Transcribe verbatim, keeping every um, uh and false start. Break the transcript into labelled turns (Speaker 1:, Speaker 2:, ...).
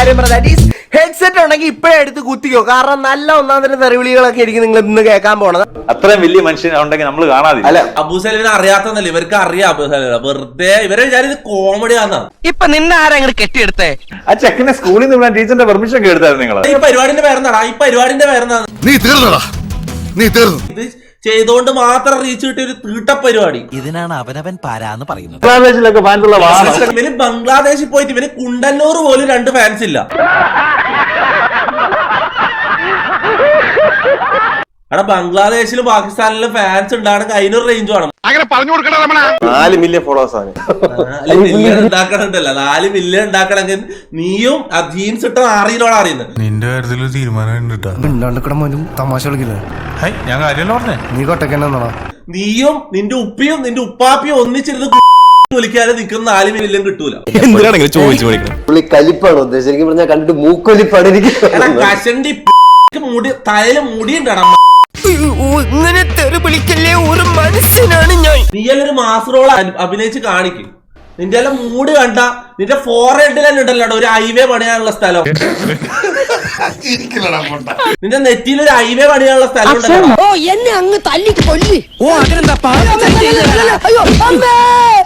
Speaker 1: കാര്യം പറഞ്ഞാൽ ഹെഡ്സെറ്റ് ഉണ്ടെങ്കിൽ ഇപ്പഴേ എടുത്ത് കുത്തിക്കോ. കാരണം നല്ല ഒന്നാം തരം തെറിവിളികളൊക്കെ ആയിരിക്കും നിങ്ങൾ ഇന്ന് കേൾക്കാൻ പോണത്.
Speaker 2: അത്രയും വലിയ മനുഷ്യൻ ഉണ്ടെങ്കിൽ നമ്മൾ കാണാതില്ല.
Speaker 3: അല്ല, അബൂസലിനെ അറിയാത്തന്നല്ലേ ഇവർക്ക് അറിയാം. അബൂസലിനെ വെറുതെ ഇവരെ വിചാരിച്ച് കോമഡി ആണെന്നാണ്.
Speaker 1: ഇപ്പൊ നിന്നെ ആരെങ്കിലും കെട്ടിയെടുത്തേ?
Speaker 2: ആ ചെക്കനെ സ്കൂളിൽ നിന്ന് ടീച്ചറിന്റെ പെർമിഷൻ ഒക്കെ എടുത്തായിരുന്നു നിങ്ങൾ.
Speaker 3: ഈ പരിപാടിന്റെ പേരെന്താടാ? ഈ പരിപാടിന്റെ പേരെന്താണ്?
Speaker 4: നീ തീർന്നടാ, നീ തീർന്നു.
Speaker 3: ഇത് ചെയ്തോണ്ട് മാത്രം റീച്ച് കിട്ടിയ ഒരു തീട്ട പരിപാടി.
Speaker 5: ഇതിനാണ് അവനവൻ പാരാന്ന് പറയുന്നത്.
Speaker 2: ബംഗ്ലാദേശിലൊക്കെ ഫാൻസുള്ള വാഹനം.
Speaker 3: ഇവന് ബംഗ്ലാദേശിൽ പോയിട്ട് ഇവന് കുണ്ടന്നൂർ പോലും രണ്ട് ഫാൻസ് ഇല്ല. അവിടെ ബംഗ്ലാദേശിലും പാകിസ്ഥാനിലും ഫാൻസ് ഉണ്ടാകണമെങ്കിൽ അതിനൊരു റേഞ്ച് വേണം.
Speaker 4: അങ്ങനെ പറഞ്ഞു കൊടുക്കണ
Speaker 2: നാല് മില്യൺ ഫോളോവേഴ്സ് ആണ്.
Speaker 3: നാല് മില്യൺ ഉണ്ടാക്കണുണ്ടല്ലോ. നാല് മില്യൺ ഉണ്ടാക്കണമെങ്കിൽ നീയും ആ ജീൻസ് ഇട്ട ആറിയിലോടെ അറിയുന്നത്.
Speaker 6: നിന്റെ കാര്യത്തിൽ തീരുമാനം
Speaker 4: തമാശ കളിക്കില്ല.
Speaker 6: ഞാൻ കാര്യമല്ല പറഞ്ഞേ.
Speaker 4: നീ കൊട്ടക്കന്നാ
Speaker 3: നീയും നിന്റെ ഉപ്പിയും നിന്റെ ഉപ്പാപ്പിയും ഒന്നിച്ചിരുന്ന് വിളിക്കാതെ നിൽക്കുന്ന നാല് മില്യൺ കിട്ടൂല.
Speaker 7: പുള്ളി കലിപ്പാണ് ഉദ്ദേശിച്ചത്. എനിക്ക് പറഞ്ഞാൽ കണ്ടിട്ട് മൂക്കൊലിപ്പാണ് എനിക്ക്.
Speaker 3: കഷണ്ടി മുടി തലയില് മുടിയുണ്ടാണ്.
Speaker 1: ഇങ്ങനെ തെറി വിളിക്കല്ലേ, ഒരു മനുഷ്യനാണ് ഞാൻ.
Speaker 3: നീയല്ലൊരു മാസ് റോൾ അഭിനയിച്ച് കാണിക്കും. നിന്റെ എല്ലാം മൂഡ് കണ്ട നിന്റെ ഫോർഹെഡിൽ തന്നെ ഉണ്ടല്ലോ ഒരു ഹൈവേ പണിയാനുള്ള സ്ഥലം. നിന്റെ നെറ്റിയിൽ ഒരു ഹൈവേ പണിയാനുള്ള സ്ഥലം ഉണ്ടല്ലോ.
Speaker 8: ഓ എന്നെ അങ്ങ് തല്ലിക്ക് കൊല്ലി.
Speaker 1: ഓ അതിനെന്താ?